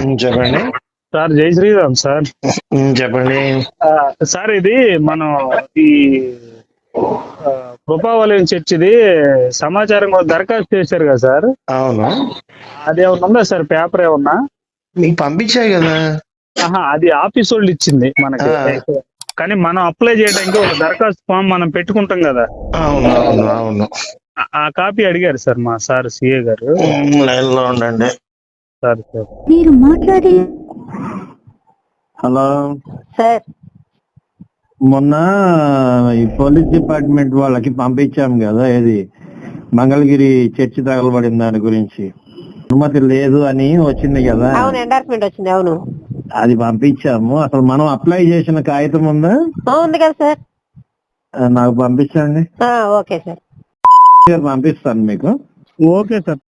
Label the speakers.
Speaker 1: చెప్పండి.
Speaker 2: సార్ జై శ్రీరామ్ సార్.
Speaker 1: చెప్పండి.
Speaker 2: సార్ ఇది మనం ఈ కృపావలయం చర్చిది సమాచారం కూడా దరఖాస్తు చేశారు కదా సార్.
Speaker 1: అవును,
Speaker 2: అది ఏమన్నా ఉందా సార్? పేపర్ ఏమన్నా
Speaker 1: మీకు పంపించాయి కదా.
Speaker 2: అది ఆఫీస్ వాళ్ళు ఇచ్చింది మనకి. కానీ మనం అప్లై చేయడానికి ఒక దరఖాస్తు ఫామ్ మనం పెట్టుకుంటాం కదా.
Speaker 1: అవును అవును అవును.
Speaker 2: ఆ కాపీ అడిగారు సార్ మా సార్ సిఏ గారు.
Speaker 1: లైన్ లో ఉండండి.
Speaker 2: సార్ సార్
Speaker 3: మీరు మాట్లాడే
Speaker 4: హలో
Speaker 3: సార్
Speaker 4: మొన్న ఈ పోలీస్ డిపార్ట్మెంట్ వాళ్ళకి పంపించాం కదా, ఏది మంగళగిరి చర్చి తగలబడిన దాని గురించి అనుమతి లేదు అని వచ్చింది కదా.
Speaker 3: అవును, ఎండార్స్మెంట్ వచ్చింది. అవును,
Speaker 4: అది పంపించాము. అసలు మనం అప్లై చేసిన కాగితం ఉందా?
Speaker 3: ఉంది కదా సార్.
Speaker 4: నాకు పంపించండి.
Speaker 3: ఓకే సార్,
Speaker 4: పంపిస్తాను మీకు.
Speaker 2: Okay sir.